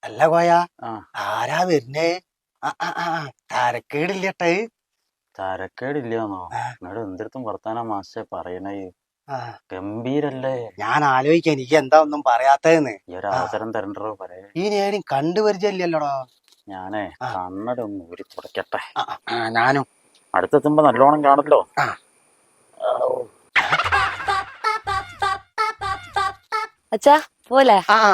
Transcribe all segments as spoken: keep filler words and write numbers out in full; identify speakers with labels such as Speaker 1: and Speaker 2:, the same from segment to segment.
Speaker 1: അല്ല കോയ ആരാ വരുന്നേ? തരക്കേടില്ലട്ടെ.
Speaker 2: തരക്കേടില്ലാന്നോ? എന്നോട് എന്തിടത്തും വർത്താനം മാസ്റ്റേ പറയണേ. ഗംഭീരല്ലേ?
Speaker 1: ഞാൻ ആലോചിക്കാൻ എനിക്ക് എന്താ ഒന്നും പറയാത്തതെന്ന്.
Speaker 2: ഈ ഒരു അവസരം തരണ്ടോ പറയേ.
Speaker 1: ഈ നേരം കണ്ടുപരിചയല്ലല്ലോടോ.
Speaker 2: ഞാനേ കണ്ണട ഒന്ന് ഊരി തുടക്കട്ടെ.
Speaker 1: ഞാനും
Speaker 2: അടുത്തെത്തുമ്പോ നല്ലോണം കാണല്ലോ.
Speaker 3: അച്ഛാ പോലെ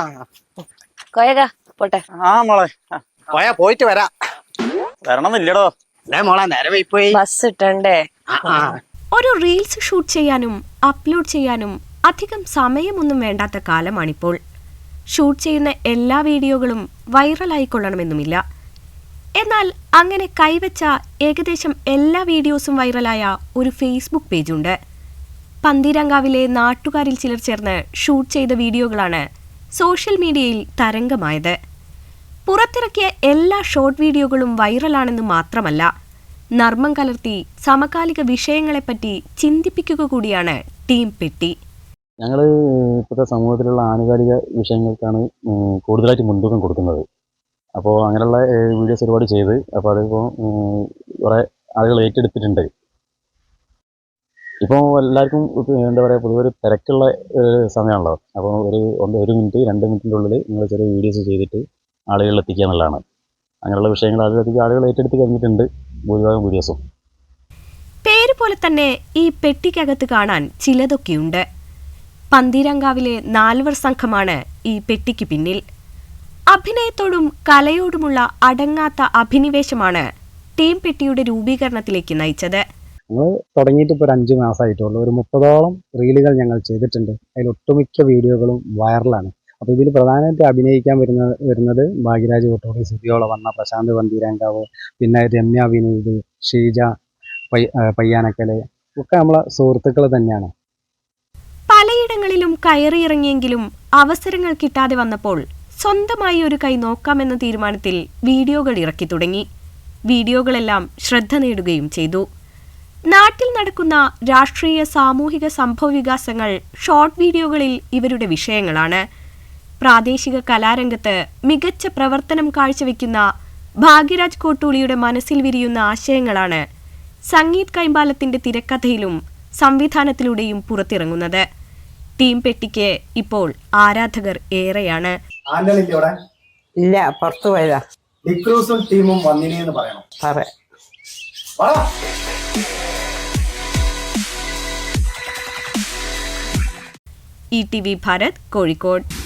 Speaker 3: കോയക പോട്ടെ.
Speaker 2: ആ മോളെ
Speaker 1: കോയ പോയിട്ട് വരാം.
Speaker 2: വരണമെന്നില്ലടോ.
Speaker 1: മോളെ നേരെ പോയി
Speaker 3: ബസ് ഇട്ടണ്ടേ.
Speaker 4: ഒരു റീൽസ് ഷൂട്ട് ചെയ്യാനും അപ്ലോഡ് ചെയ്യാനും അധികം സമയമൊന്നും വേണ്ടാത്ത കാലമാണിപ്പോൾ. ഷൂട്ട് ചെയ്യുന്ന എല്ലാ വീഡിയോകളും വൈറലായിക്കൊള്ളണമെന്നുമില്ല. എന്നാൽ അങ്ങനെ കൈവച്ച ഏകദേശം എല്ലാ വീഡിയോസും വൈറലായ ഒരു ഫേസ്ബുക്ക് പേജുണ്ട്. പന്തീരങ്കാവിലെ നാട്ടുകാരിൽ ചിലർ ചേർന്ന് ഷൂട്ട് ചെയ്ത വീഡിയോകളാണ് സോഷ്യൽ മീഡിയയിൽ തരംഗമായത്. പുറത്തിറക്കിയ എല്ലാ ഷോർട്ട് വീഡിയോകളും വൈറലാണെന്ന് മാത്രമല്ല, നർമ്മം കലർത്തി സമകാലിക വിഷയങ്ങളെപ്പറ്റി ചിന്തിപ്പിക്കുക കൂടിയാണ് ടീം പെട്ടി.
Speaker 2: ഞങ്ങൾ ഇപ്പോഴത്തെ സമൂഹത്തിലുള്ള ആനുകാലിക വിഷയങ്ങൾക്കാണ് കൂടുതലായിട്ട് മുൻതൂക്കം കൊടുക്കുന്നത്. അപ്പോൾ അങ്ങനെയുള്ള വീഡിയോസ് ഒരുപാട് ചെയ്ത് അപ്പോൾ അതിപ്പോൾ കുറേ ആളുകൾ ഏറ്റെടുത്തിട്ടുണ്ട്. ഇപ്പോൾ എല്ലാവർക്കും എന്താ പറയുക, പൊതുവെ ഒരു തിരക്കുള്ള സമയമാണല്ലോ. അപ്പോൾ ഒരു ഒരു മിനിറ്റ് രണ്ട് മിനിറ്റിൻ്റെ ഉള്ളിൽ നിങ്ങൾ ചെറിയ വീഡിയോസ് ചെയ്തിട്ട് ആളുകളിൽ എത്തിക്കുക എന്നുള്ളതാണ്. അങ്ങനെയുള്ള വിഷയങ്ങൾ അതിലധികം ആളുകൾ ഏറ്റെടുത്ത് കഴിഞ്ഞിട്ടുണ്ട് ഭൂരിഭാഗം വീഡിയോസും.
Speaker 4: പേര് പോലെ തന്നെ ഈ പെട്ടിക്കകത്ത് കാണാൻ ചിലതൊക്കെയുണ്ട്. പന്തീരങ്കാവിലെ നാൽവർ സംഘമാണ് ഈ പെട്ടിക്ക് പിന്നിൽ. അഭിനയത്തോടും കലയോടുമുള്ള അടങ്ങാത്ത അഭിനിവേശമാണ് ടീം പെട്ടിയുടെ രൂപീകരണത്തിലേക്ക് നയിച്ചത്.
Speaker 5: ഞങ്ങൾ തുടങ്ങിയിട്ട് ഇപ്പോൾ ഒരു അഞ്ച് മാസമായിട്ടുള്ളൂ. ഒരു മുപ്പതോളം റീലുകൾ ഞങ്ങൾ ചെയ്തിട്ടുണ്ട്. അതിൽ ഒട്ടുമിക്ക വീഡിയോകളും വൈറലാണ്. അപ്പോൾ ഇതിൽ പ്രധാനമായിട്ട് അഭിനയിക്കാൻ വരുന്ന വരുന്നത് ഭാഗ്യരാജ് കൊട്ടോടി, സുതിയോള വന്ന, പ്രശാന്ത് പന്തീരങ്കാവ്, പിന്നെ രമ്യ വിനീത്, ഷീജ പയ്യാനക്കല് ഒക്കെ നമ്മളെ സുഹൃത്തുക്കൾ തന്നെയാണ്.
Speaker 4: പലയിടങ്ങളിലും കയറിയിറങ്ങിയെങ്കിലും അവസരങ്ങൾ കിട്ടാതെ വന്നപ്പോൾ സ്വന്തമായി ഒരു കൈ നോക്കാമെന്ന തീരുമാനത്തിൽ വീഡിയോകൾ ഇറക്കി തുടങ്ങി. വീഡിയോകളെല്ലാം ശ്രദ്ധ നേടുകയും ചെയ്തു. നാട്ടിൽ നടക്കുന്ന രാഷ്ട്രീയ സാമൂഹിക സംഭവവികാസങ്ങൾ ഷോർട്ട് വീഡിയോകളിൽ ഇവരുടെ വിഷയങ്ങളാണ്. പ്രാദേശിക കലാരംഗത്ത് മികച്ച പ്രവർത്തനം കാഴ്ചവെക്കുന്ന ഭാഗ്യരാജ് കോട്ടൂളിയുടെ മനസ്സിൽ വിരിയുന്ന ആശയങ്ങളാണ് സംഗീത് കൈമ്പാലത്തിന്റെ തിരക്കഥയിലും സംവിധാനത്തിലൂടെയും പുറത്തിറങ്ങുന്നത്. ടീം പെട്ടിക്ക് ഇപ്പോൾ ആരാധകർ ഏറെയാണ്.
Speaker 6: ഇല്ല, പുറത്തു പോയതാ.
Speaker 1: ഡിക്രൂസും ടീമും വന്നിനെന്ന് പറയണം.
Speaker 4: E T V Bharat, Kozhikode.